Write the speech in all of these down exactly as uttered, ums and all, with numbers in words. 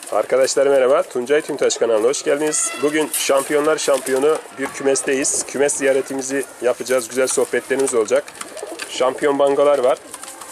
Arkadaşlar merhaba, Tuncay Tüntaş kanalına hoş geldiniz. Bugün Şampiyonlar Şampiyonu bir kümesteyiz. Kümes ziyaretimizi yapacağız, güzel sohbetlerimiz olacak. Şampiyon bangolar var.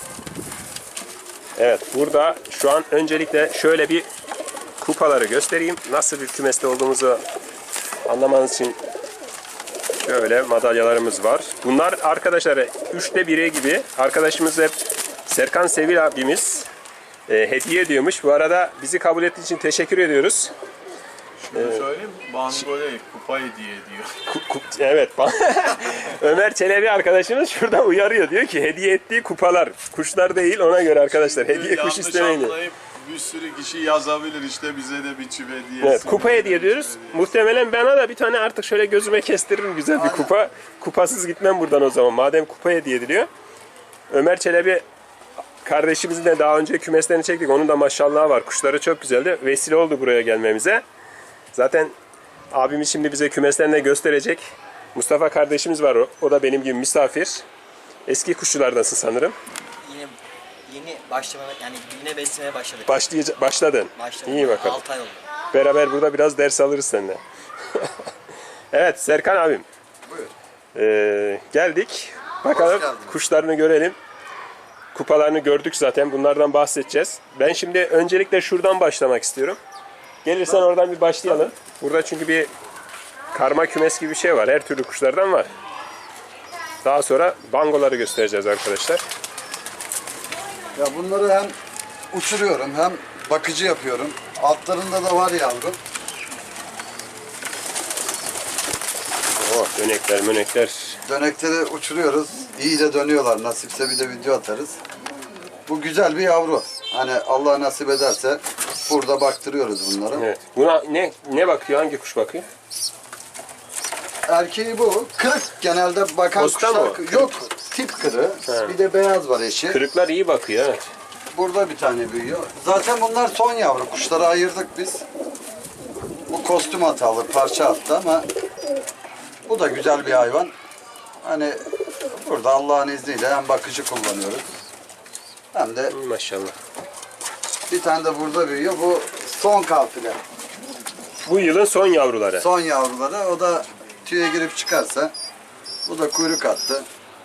Evet, burada şu an öncelikle şöyle bir kupaları göstereyim. Nasıl bir kümeste olduğumuzu anlamanız için şöyle madalyalarımız var. Bunlar arkadaşlar üçte biri gibi. Arkadaşımız hep Serkan Sevil abimiz e, hediye ediyormuş. Bu arada bizi kabul ettiği için teşekkür ediyoruz. Şunu söyleyeyim, Bango'ya kupa hediye ediyor. Ku, ku, evet. Ömer Çelebi arkadaşımız şurada uyarıyor. Diyor ki hediye ettiği kupalar. Kuşlar değil, ona göre arkadaşlar. Hediye Yanlış kuş istemeyin. anlayıp bir sürü kişi yazabilir işte bize de bir çift hediye. Evet, kupa hediye ediyoruz. Muhtemelen bana da bir tane artık şöyle gözüme kestiririm güzel bir kupa. Kupasız gitmem buradan o zaman. Madem kupa hediye ediliyor. Ömer Çelebi kardeşimizin de daha önce kümeslerini çektik. Onun da maşallahı var. Kuşları çok güzeldi. Vesile oldu buraya gelmemize. Zaten abimiz şimdi bize kümeslerini de gösterecek. Mustafa kardeşimiz var o. O da benim gibi misafir. Eski kuşçulardansın sanırım. Yine yeni başlamaya yani yine beslemeye başladık. Başlayacak, başladın. Başladım. İyi bakalım. altı ay oldu. Beraber burada biraz ders alırız seninle. Evet Serkan abim. Buyur. Ee, geldik. Bakalım kuşlarını görelim. Kupalarını gördük zaten. Bunlardan bahsedeceğiz. Ben şimdi öncelikle şuradan başlamak istiyorum. Gelirsen oradan bir başlayalım. Burada çünkü bir karma kümes gibi bir şey var. Her türlü kuşlardan var. Daha sonra bangoları göstereceğiz arkadaşlar. Ya bunları hem uçuruyorum hem bakıcı yapıyorum. Altlarında da var yavrum. Oh, dönekler mönekler. Dönekleri uçuruyoruz. İyi de dönüyorlar. Nasipse bir de video atarız. Bu güzel bir yavru. Hani Allah nasip ederse burada baktırıyoruz bunları. Evet. Buna ne ne bakıyor? Hangi kuş bakıyor? Erkeği bu. Kırık genelde bakan Posta kuşlar. mı? Kırık. Yok. Tip kırığı. He. Bir de beyaz var eşi. Kırıklar iyi bakıyor. Evet. Burada bir tane büyüyor. Zaten bunlar son yavru. Kuşları ayırdık biz. Bu kostüm hatalı, parça attı ama bu da güzel bir hayvan. Hani burada Allah'ın izniyle hem bakıcı kullanıyoruz. Hem de Maşallah. bir tane de burada büyüyor. Bu son kafile. Bu yılın son yavruları. Son yavruları. O da tüye girip çıkarsa. Bu da kuyruk attı.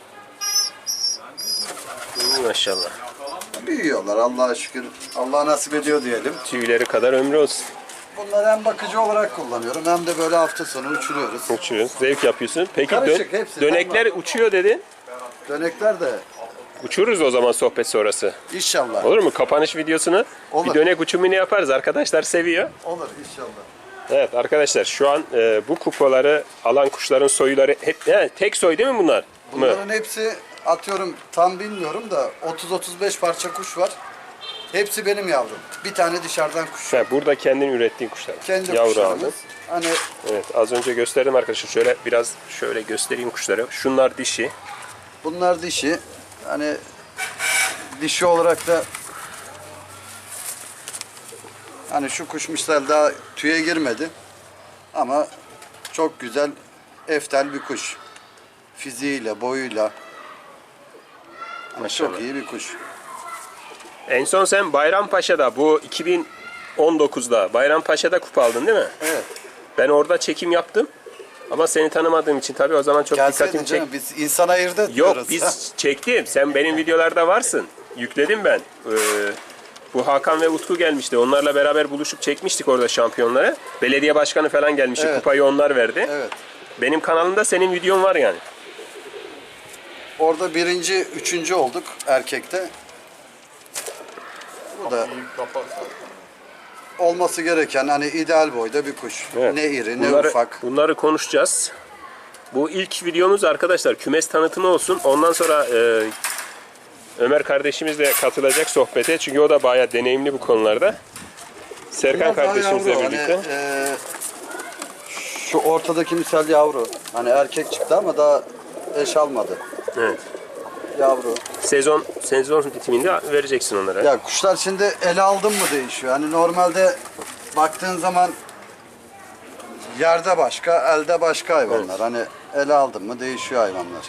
Maşallah. Büyüyorlar Allah'a şükür. Allah nasip ediyor diyelim. Tüyleri kadar ömrü olsun. Bunları hem bakıcı olarak kullanıyorum hem de böyle hafta sonu uçuruyoruz. Uçuyorsun. Zevk yapıyorsun. Peki Karışık, dön- hepsi. dönekler uçuyor dedin. Dönekler de Uçururuz o zaman sohbet sonrası. inşallah. Olur mu? Kapanış videosunu Olur. bir dönek uçumunu yaparız. Arkadaşlar seviyor. Olur inşallah. Evet arkadaşlar şu an e, bu kupaları alan kuşların soyuları hep he, tek soy değil mi bunlar? Mı? Bunların hepsi atıyorum tam bilmiyorum da otuz otuz beş parça kuş var. Hepsi benim yavrum. Bir tane dışarıdan kuş. Ha, burada kendin ürettiğin kuşlar. Kendi Yavru kuşlarımız. aldın. Hani Evet az önce gösterdim arkadaşlar. Şöyle biraz şöyle göstereyim kuşları. Şunlar dişi. bunlar dişi. Hani dişi olarak da hani şu kuş misal daha tüye girmedi. Ama çok güzel eftel bir kuş. Fiziğiyle, boyuyla. Hani Maşallah. çok iyi bir kuş. En son sen Bayrampaşa'da bu iki bin on dokuzda Bayrampaşa'da kupa aldın değil mi? Evet. Ben orada çekim yaptım. Ama seni tanımadığım için tabii o zaman çok Gelseydin dikkatimi çek. canım, biz insan ayırt Yok ediyoruz. biz çektim. Sen benim videolarda varsın. Yükledim ben. Ee, bu Hakan ve Utku gelmişti. Onlarla beraber buluşup çekmiştik orada şampiyonları. Belediye başkanı falan gelmişti. Evet. Kupayı onlar verdi. Evet. Benim kanalımda senin videon var yani. Orada birinci, üçüncü olduk erkekte. Bu da İyi kapat zaten. olması gereken hani ideal boyda bir kuş. Evet. Ne iri ne bunları, ufak. Bunları konuşacağız. Bu ilk videomuz arkadaşlar kümes tanıtımı olsun. Ondan sonra e, Ömer kardeşimiz de katılacak sohbete. Çünkü o da bayağı deneyimli bu konularda. Serkan Biraz daha kardeşimizle yavru, birlikte. Hani, e, şu ortadaki misal yavru. Hani erkek çıktı ama daha eş almadı. Evet. Yavru. Sezon sezon bitiminde vereceksin onlara. Ya kuşlar şimdi ele aldın mı değişiyor. Hani normalde baktığın zaman yerde başka, elde başka hayvanlar. Evet. Hani ele aldın mı değişiyor hayvanlar.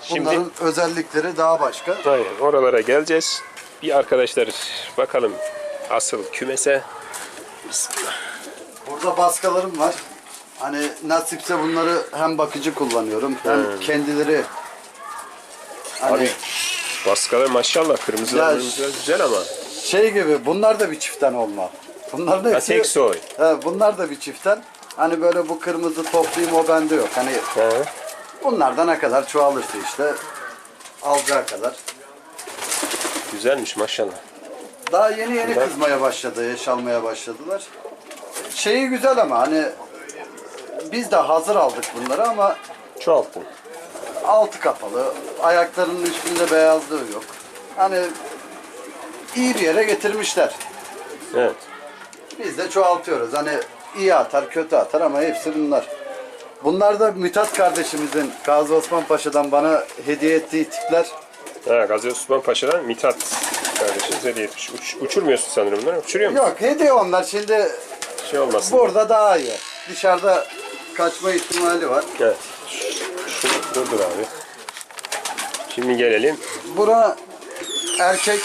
Şimdi- Bunların özellikleri daha başka. Aynen, oralara geleceğiz. Bir arkadaşlar bakalım asıl kümese. Bismillah. Burada baskalarım var. Hani nasipse bunları hem bakıcı kullanıyorum hem kendileri hani Abi baskalar maşallah kırmızılar Ya, kırmızılar güzel ama. şey gibi bunlar da bir çiftten olma. Bunların Ha, hepsi tek soy. He, bunlar da bir çiftten. Hani böyle bu kırmızı toplayayım o bende yok. Hani He. bunlardan ne kadar çoğalırsa işte alacağı kadar. Güzelmiş maşallah. Daha yeni yeni Bunlar- kızmaya başladı, yaş almaya başladılar. Şeyi güzel ama hani biz de hazır aldık bunları ama Çoğalttın. altı kapalı, ayaklarının üstünde beyazlığı yok. Hani iyi bir yere getirmişler. Evet. Biz de çoğaltıyoruz. Hani iyi atar, kötü atar ama hepsi bunlar. Bunlar da Mithat kardeşimizin Gazi Osman Paşa'dan bana hediye ettiği tipler. Ha, Gazi Osman Paşa'dan Mithat kardeşimiz hediye etmiş. Uç, uçurmuyorsun sanırım bunları. Uçuruyor musun? Yok hediye onlar şimdi Şey olmasın. burada daha iyi. Dışarıda kaçma ihtimali var. Evet. Şunu durdur abi. Şimdi gelelim. Bura erkek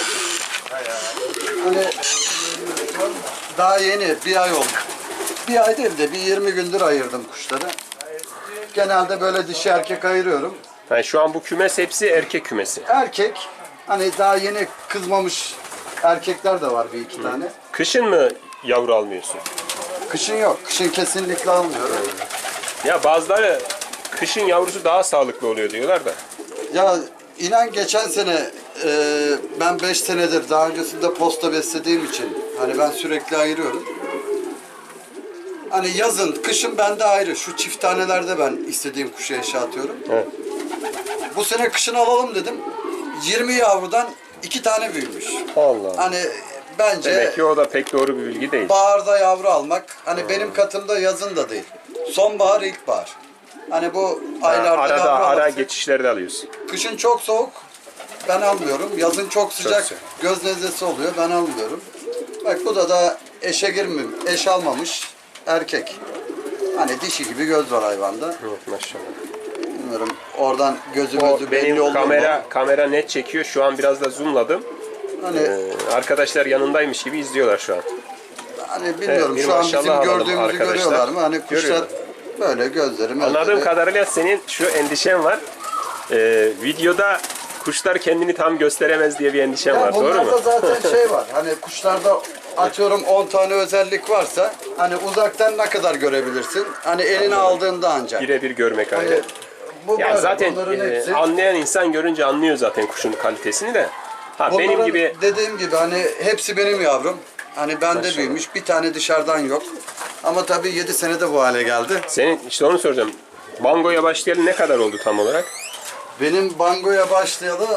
hani daha yeni bir ay oldu. Bir ay değil de bir yirmi gündür ayırdım kuşları. Genelde böyle dişi erkek ayırıyorum. Yani şu an bu kümes hepsi erkek kümesi. Erkek hani daha yeni kızmamış erkekler de var bir iki tane. Kışın mı yavru almıyorsun? Kışın yok. Kışın kesinlikle almıyorum. Ya bazıları kışın yavrusu daha sağlıklı oluyor diyorlar da. Ya inan geçen sene e, ben beş senedir daha öncesinde posta beslediğim için hani ben sürekli ayırıyorum. Hani yazın, kışın bende ayrı. Şu çift tanelerde ben istediğim kuşu eşe atıyorum. Evet. Bu sene kışın alalım dedim. yirmi yavrudan iki tane büyümüş. Allah. Hani bence Demek ki o da pek doğru bir bilgi değil. baharda yavru almak, hani benim katımda yazın da değil. Sonbahar, ilkbahar. Hani bu Ha, aylarda arada yavru ara alırsak- geçişlerde alıyorsun. Kışın çok soğuk, ben almıyorum. Yazın çok sıcak, sıcak. göz nezlesi oluyor, ben almıyorum. Bak bu da da eşe girmiyor, eş almamış erkek. Hani dişi gibi göz var hayvanda. Evet maşallah. Bilmiyorum oradan gözü O gözü belli benim oldu kamera mu? kamera net çekiyor. Şu an biraz da zoomladım. Hani, Ee, arkadaşlar yanındaymış gibi izliyorlar şu an. hani bilmiyorum Evet, bir şu an maşallah bizim alalım gördüğümüzü arkadaşlar. görüyorlar mı? Hani kuşlar Görüyorlar. böyle gözleri Anladığım gözleri. kadarıyla senin şu endişen var. Ee, videoda kuşlar kendini tam gösteremez diye bir endişen Ya var. Doğru bunlarda mu? zaten şey var. Hani kuşlarda atıyorum on tane özellik varsa hani uzaktan ne kadar görebilirsin? Hani eline aldığında ancak. Birebir görmek Hani ayrı. bu Ya böyle, zaten bunların e, hepsi. anlayan insan görünce anlıyor zaten kuşun kalitesini de. Ha benim Bunların gibi dediğim gibi hani hepsi benim yavrum. Hani bende Maşallah. büyümüş. Bir tane dışarıdan yok. Ama tabii yedi senede bu hale geldi. senin işte onu soracağım. Bango'ya başlayalı ne kadar oldu tam olarak? Benim bangoya başlayalı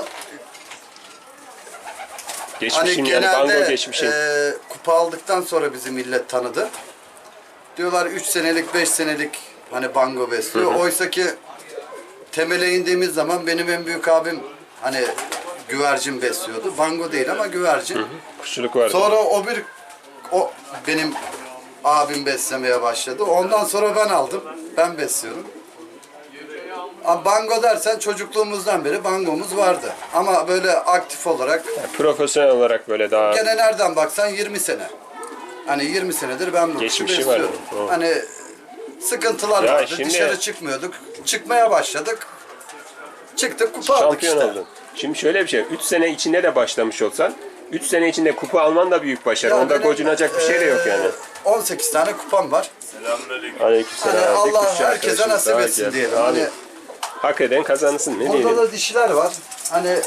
Geçmişin hani yani bango genelde geçmişin. e, kupa aldıktan sonra bizi millet tanıdı. Diyorlar üç senelik beş senelik hani bango besliyor. Oysa ki temele indiğimiz zaman benim en büyük abim hani güvercin besliyordu. Bango değil ama güvercin. Kuşçuluk vardı. Sonra o bir o benim abim beslemeye başladı. Ondan sonra ben aldım. Ben besliyorum. Ama bango dersen çocukluğumuzdan beri bangomuz vardı. Ama böyle aktif olarak Yani profesyonel olarak böyle daha gene nereden baksan yirmi sene. Hani yirmi senedir ben bu kuşu Geçmişi var. besliyorum. Evet. Hani sıkıntılar Ya vardı. şimdi- Dışarı çıkmıyorduk. Çıkmaya başladık. Çıktık kupa aldık şampiyon işte. oldun. Şimdi şöyle bir şey. üç sene içinde de başlamış olsan üç sene içinde kupa alman da büyük başarı. Ya Onda benim, gocunacak bir şey de yok yani. eee, on sekiz tane kupam var. Selamünaleyküm. Aleykümselam. Hani Bir Allah kuşçu herkese arkadaşımız nasip daha etsin geldi. diyelim. Amin. Hani Hak eden kazansın ne burada diyelim. da dişiler var. Hani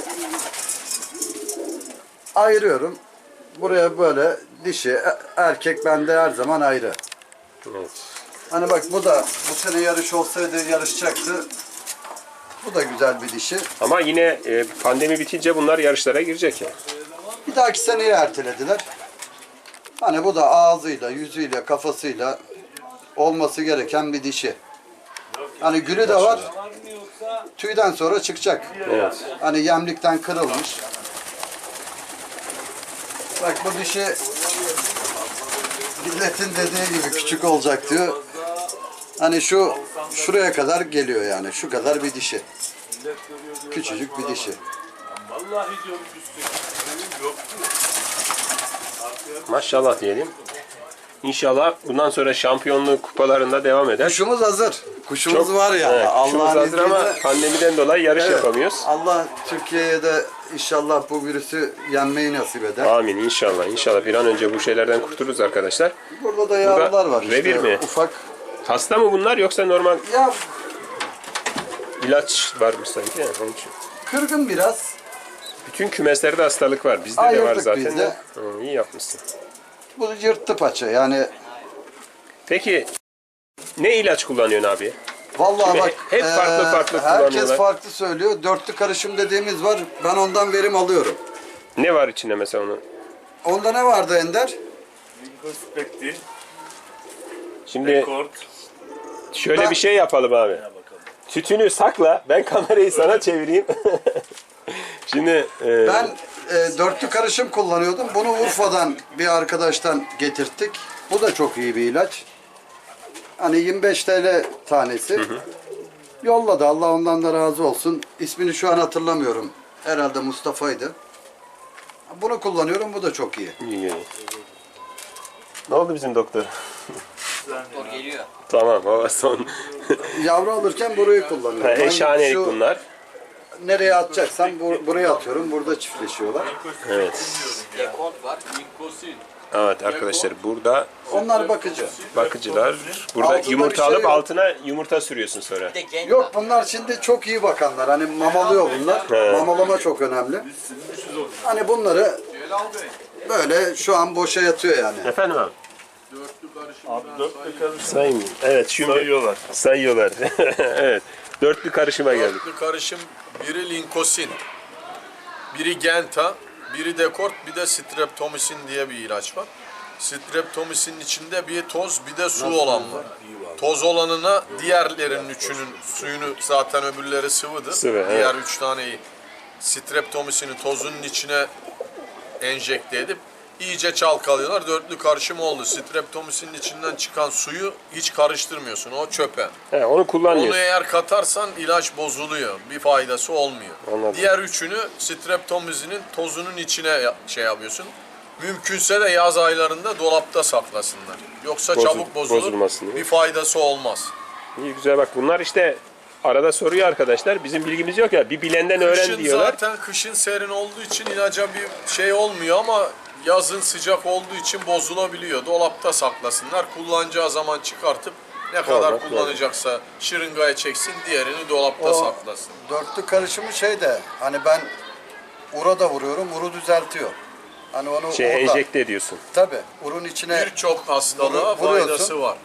ayırıyorum. Buraya böyle dişi, e- erkek bende her zaman ayrı. Evet. Hani bak bu da bu sene yarış olsaydı yarışacaktı. Bu da güzel bir dişi. Ama yine e, pandemi bitince bunlar yarışlara girecek yani. Bir dahaki seneye ertelediler. Hani bu da ağzıyla, yüzüyle, kafasıyla olması gereken bir dişi. Hani gülü de var. Tüyden sonra çıkacak. Evet. Hani yemlikten kırılmış. Bak bu dişi milletin dediği gibi küçük olacak diyor. Hani şu şuraya kadar geliyor yani. Şu kadar bir dişi. Küçücük bir dişi. Vallahi diyorum üstü. Yok. Maşallah diyelim. İnşallah bundan sonra şampiyonluk kupalarında devam eder. Kuşumuz hazır. Kuşumuz Çok- var ya. Evet, kuşumuz Allah'ın hazır ama izniyle- pandemiden dolayı yarış Evet. yapamıyoruz. Allah Türkiye'ye de inşallah bu virüsü yenmeyi nasip eder. Amin inşallah. İnşallah bir an önce bu şeylerden kurtuluruz arkadaşlar. Burada da yavrular var. işte, revir mi? Ufak. Hasta mı bunlar yoksa normal Ya ilaç varmış sanki? Yani onun için. kırgın biraz. Bütün kümeslerde hastalık var. Bizde de Ayırdık var zaten. biz de. de. Hı, iyi yapmışsın. Bu yırttı paça yani. Peki ne ilaç kullanıyorsun abi? Vallahi Şimdi bak hep farklı eee, farklı herkes kullanıyorlar. farklı söylüyor. Dörtlü karışım dediğimiz var. Ben ondan verim alıyorum. Ne var içinde mesela onun? Onda ne vardı Ender? Introspekti, Şimdi rekord. şöyle Ben- bir şey yapalım abi. Tütünü sakla. Ben kamerayı sana çevireyim. Şimdi e, Ben e, dörtlü karışım kullanıyordum. Bunu Urfa'dan bir arkadaştan getirttik. Bu da çok iyi bir ilaç. Hani yirmi beş TL tanesi. Yolladı. Allah ondan da razı olsun. İsmini şu an hatırlamıyorum. Herhalde Mustafa'ydı. Bunu kullanıyorum. Bu da çok iyi. iyi geliyor. Ne oldu bizim doktor? Doktor geliyor. Tamam o son. Yavru alırken burayı Ha, kullanıyorum. Ben eşhanelik şu bunlar. Nereye atacaksam bu- buraya atıyorum. Burada çiftleşiyorlar. Evet. Dekont var. Linkosin. Evet arkadaşlar burada Onlar bakıcı. bakıcılar. Burada Altında yumurta bir şey alıp yok. altına yumurta sürüyorsun sonra. Bir de genç Yok var. bunlar şimdi çok iyi bakanlar. Hani mamalıyor bunlar. He. Mamalama çok önemli. Hani bunları böyle şu an boşa yatıyor yani. Efendim abi? Abi dörtlü karışım Sayayım. Evet şimdi sayıyorlar. sayıyorlar. Evet. Dörtlü karışıma geldik. Dörtlü karışım biri linkosin, biri genta, biri dekort, bir de streptomisin diye bir ilaç var. Streptomisin içinde bir toz bir de su olan var. Toz olanına diğerlerinin üçünün suyunu zaten öbürleri sıvıdır. Sıvı, evet. Diğer üç taneyi streptomisini tozunun içine enjekte edip iyice çalkalıyorlar. Dörtlü karışım oldu. Streptomisinin içinden çıkan suyu hiç karıştırmıyorsun. O çöpe. He, onu Onu kullanmıyorsun. eğer katarsan ilaç bozuluyor. Bir faydası olmuyor. Anladım. Diğer üçünü streptomizinin tozunun içine ya- şey yapıyorsun. Mümkünse de yaz aylarında dolapta saklasınlar. Yoksa Bozul- çabuk bozulur. bozulmasın diye. Bir faydası olmaz. İyi güzel bak bunlar işte arada soruyor arkadaşlar. Bizim bilgimiz yok ya. Bir bilenden öğren Kışın diyorlar. zaten kışın serin olduğu için ilaca bir şey olmuyor ama yazın sıcak olduğu için bozulabiliyor. Dolapta saklasınlar. Kullanacağı zaman çıkartıp ne kadar Tamam, kullanacaksa şırıngaya çeksin, diğerini dolapta O saklasın. dörtlü karışımı şey de hani ben ura da vuruyorum. Uru düzeltiyor. Hani onu Şey orada. enjekte ediyorsun. Tabii. Urun içine Birçok hastalığa Vuru- vuruyorsun. faydası var.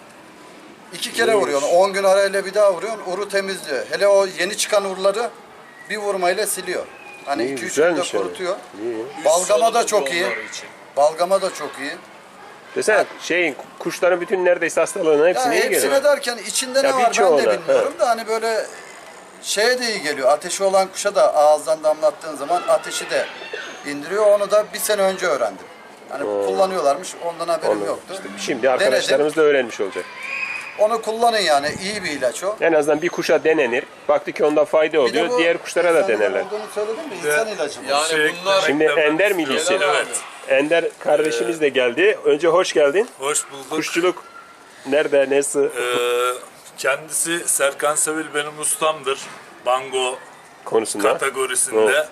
iki kere vuruyorsun. on gün arayla bir daha vuruyorsun. Uru temizliyor. Hele o yeni çıkan urları bir vurmayla siliyor. Hani İyi, iki üç güzelmiş günde yani. kurutuyor. İyi. Üst Balgama da solunum çok iyi. yolları için. Balgama da çok iyi. Desene şeyin kuşların bütün neredeyse hastalığına Ya hepsine iyi geliyor. hepsine derken içinde ne Ya var ben birçoğuna, de bilmiyorum da hani böyle şeye de iyi geliyor. Ateşi olan kuşa da ağızdan damlattığın zaman ateşi de indiriyor. Onu da bir sene önce öğrendim. Hani kullanıyorlarmış ondan haberim Anladım. yoktu. İşte şimdi arkadaşlarımız da öğrenmiş olacak. Onu kullanın yani iyi bir ilaç o. En azından bir kuşa denenir. Baktı ki onda fayda Bir de oluyor. bu Diğer kuşlara da insanın denerler. olduğunu söyledin mi? İnsan ilacı bu. Yani Şey bunlar Şimdi Ender miydi Gelen isim? abi. Ender kardeşimiz de geldi. Önce hoş geldin. Hoş bulduk. Kuşçuluk nerede, nesi? Ee, kendisi Serkan Sevil benim ustamdır. Bango konusunda. kategorisinde.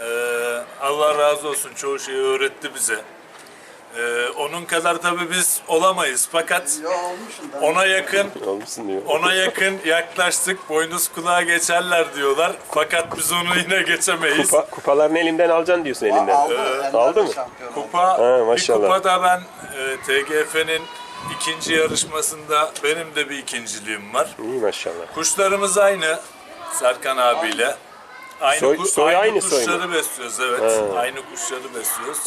Ee, Allah razı olsun çoğu şeyi öğretti bize. Ee, onun kadar tabii biz olamayız fakat Ya olmuşsun da. ona yakın Olmuşsun diyor. ona yakın yaklaştık. Boynuz kulağa geçerler diyorlar. Fakat biz onu yine geçemeyiz. Kupa, kupalarını elimden alacaksın diyorsun elinden. Aldı, Ee, Ender aldı de mı? şampiyon oldu. Kupa, Ha, bir maşallah. kupada ben e, T G F'nin ikinci yarışmasında benim de bir ikinciliğim var. İyi maşallah. Kuşlarımız aynı Serkan abiyle. Aynı, Soy- ku- soy aynı, aynı soy mu? kuşları besliyoruz evet. Aynı kuşları besliyoruz.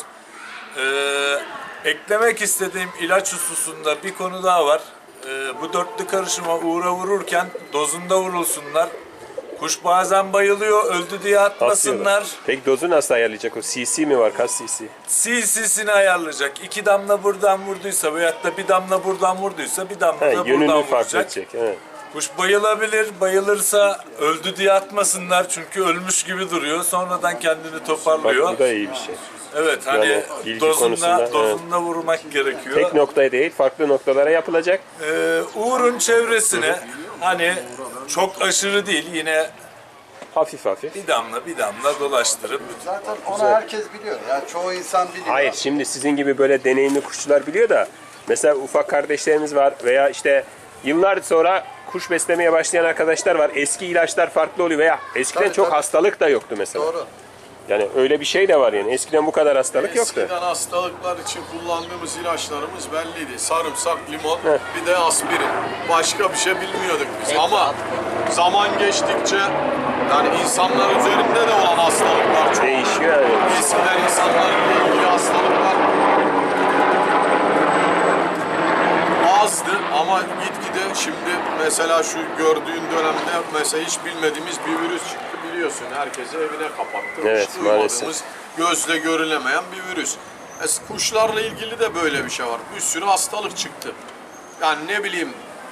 Ee, eklemek istediğim ilaç hususunda bir konu daha var. Ee, bu dörtlü karışıma uğra vururken dozunda vurulsunlar. Kuş bazen bayılıyor, öldü diye atmasınlar. Atıyorlar. Peki dozu nasıl ayarlayacak o? C C mi var? Kaç C C? C C'sini ayarlayacak. İki damla buradan vurduysa veyahut da bir damla buradan vurduysa bir damla He, da yönünü buradan fark vuracak. edecek. Evet. Kuş bayılabilir. Bayılırsa öldü diye atmasınlar. Çünkü ölmüş gibi duruyor. Sonradan kendini Bak toparlıyor. bu da iyi bir şey. Evet hani Yani bilgi dozunda, konusunda, dozunda vurmak gerekiyor. Tek noktaya değil, farklı noktalara yapılacak. Ee, Uğur'un çevresine hani çok aşırı değil yine Hafif hafif. bir damla bir damla dolaştırıp Zaten onu herkes biliyor. Yani çoğu insan biliyor. Hayır, şimdi sizin gibi böyle deneyimli kuşçular biliyor da mesela ufak kardeşlerimiz var veya işte yıllar sonra kuş beslemeye başlayan arkadaşlar var. Eski ilaçlar farklı oluyor veya eskiden Tabii, çok tabii. hastalık da yoktu mesela. Doğru. Yani öyle bir şey de var yani. Eskiden bu kadar hastalık yoktu. Eskiden hastalıklar için kullandığımız ilaçlarımız belliydi. Sarımsak, limon, bir de aspirin. Başka bir şey bilmiyorduk biz. Ama zaman geçtikçe yani insanlar üzerinde de olan hastalıklar çok. Değişiyor yani. Eskiden insanlarla ilgili hastalıklar azdı ama gitgide şimdi mesela şu gördüğün dönemde mesela hiç bilmediğimiz bir virüs çıktı biliyorsun. Herkesi evine kapattı. Evet, Hiç duymadığımız, maalesef. gözle görülemeyen bir virüs. Es- Kuşlarla ilgili de böyle bir şey var. Bir sürü hastalık çıktı. Yani ne bileyim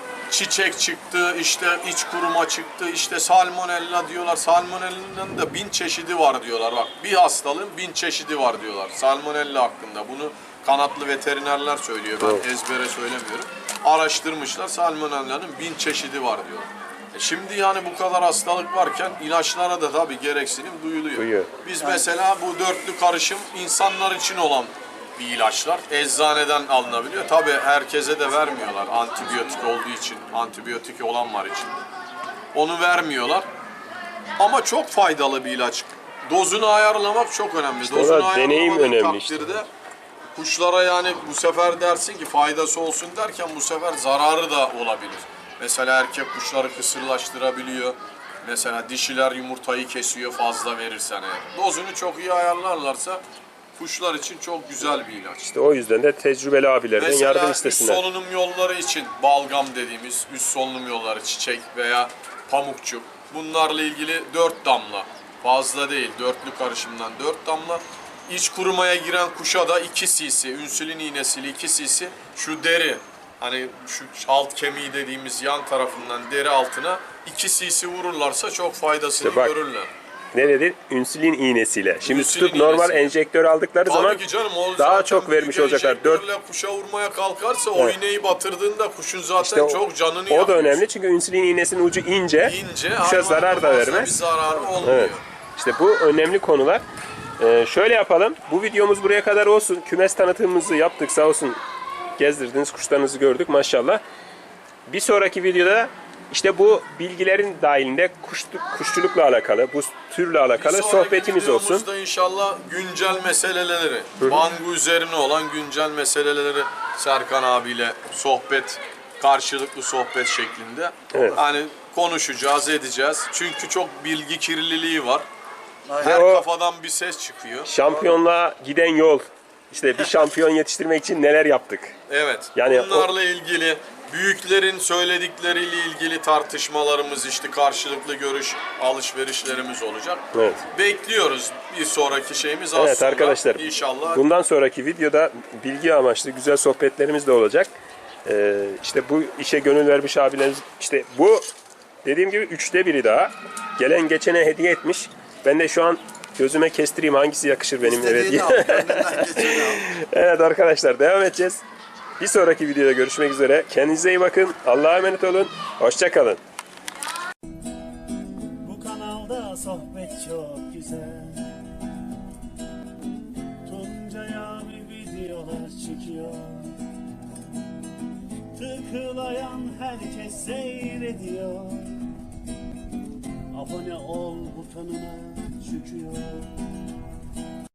çiçek çıktı, işte iç kuruma çıktı, işte salmonella diyorlar. Salmonella'nın da bin çeşidi var diyorlar. Bak bir hastalığın bin çeşidi var diyorlar. Salmonella hakkında. Bunu kanatlı veterinerler söylüyor. Ben ezbere söylemiyorum. Araştırmışlar. Salmonella'nın bin çeşidi var diyorlar. E şimdi yani bu kadar hastalık varken ilaçlara da tabii gereksinim duyuluyor. Duyuyor. Biz mesela bu dörtlü karışım insanlar için olan bir ilaçlar. Eczaneden alınabiliyor. Tabii herkese de vermiyorlar. Antibiyotik olduğu için. Antibiyotik olan var için. Onu vermiyorlar. Ama çok faydalı bir ilaç. Dozunu ayarlamak çok önemli. İşte o Dozunu da deneyim ayarlamadığın önemli işte. takdirde kuşlara yani bu sefer dersin ki faydası olsun derken bu sefer zararı da olabilir. Mesela erkek kuşları kısırlaştırabiliyor. Mesela dişiler yumurtayı kesiyor fazla verirsen eğer. Dozunu çok iyi ayarlarlarsa kuşlar için çok güzel bir ilaç. İşte o yüzden de tecrübeli abilerden Mesela yardım üst istesinler. solunum yolları için balgam dediğimiz üst solunum yolları çiçek veya pamukçuk. Bunlarla ilgili dört damla. Fazla değil. Dörtlü karışımdan dört damla. İç kurumaya giren kuşa da iki cc. Ünsülin iğnesiyle iki cc. Şu deri hani şu alt kemiği dediğimiz yan tarafından deri altına iki cc vururlarsa çok faydasını İşte bak, görürler. Ne dedi? Ünsülin iğnesiyle. Şimdi Ünsülin tutup normal iğnesiyle. enjektör aldıkları zaman Tabii ki canım, o daha zaten çok vermiş büyük olacaklar. Dört enjektörle kuşa vurmaya kalkarsa o iğneyi batırdığında kuşun zaten İşte o- çok canını O yakıyor. da önemli çünkü insülin iğnesinin ucu ince, İnce, kuşa hayvana zarar da fazla Bir vermez. zararı olmuyor. Evet. İşte bu önemli konular. Ee, şöyle yapalım. Bu videomuz buraya kadar olsun. Kümes tanıtımımızı yaptık sağ olsun. Gezdirdiniz, kuşlarınızı gördük maşallah. Bir sonraki videoda işte bu bilgilerin dahilinde kuş, kuşçulukla alakalı, bu türle alakalı Bir sonraki sohbetimiz olsun. videomuzda inşallah güncel meseleleri, Bangu üzerine olan güncel meseleleri Serkan abiyle sohbet, karşılıklı sohbet şeklinde. Evet. Hani konuşacağız, edeceğiz. Çünkü çok bilgi kirliliği var. Ve Her o kafadan bir ses çıkıyor. şampiyonluğa giden yol. İşte bir şampiyon yetiştirmek için neler yaptık. Evet. Yani bunlarla ilgili büyüklerin söyledikleriyle ilgili tartışmalarımız, işte karşılıklı görüş alışverişlerimiz olacak. Evet. Bekliyoruz bir sonraki şeyimiz az Evet sonra. arkadaşlar, İnşallah. bundan sonraki videoda bilgi amaçlı güzel sohbetlerimiz de olacak. Ee, işte bu işe gönül vermiş abilerimiz, işte bu dediğim gibi üçte biri daha. Gelen geçene hediye etmiş. Ben de şu an gözüme kestireyim hangisi yakışır benim eve İstediğini diye. al, kendinden geçeni al. Evet arkadaşlar, devam edeceğiz. Bir sonraki videoda görüşmek üzere. Kendinize iyi bakın. Allah'a emanet olun. Hoşça kalın. Bu kanalda sohbet çok güzel. Tuncay abi videolar çekiyor. Tıklayan herkes seyrediyor. Abone ol butonuna çıkıyor.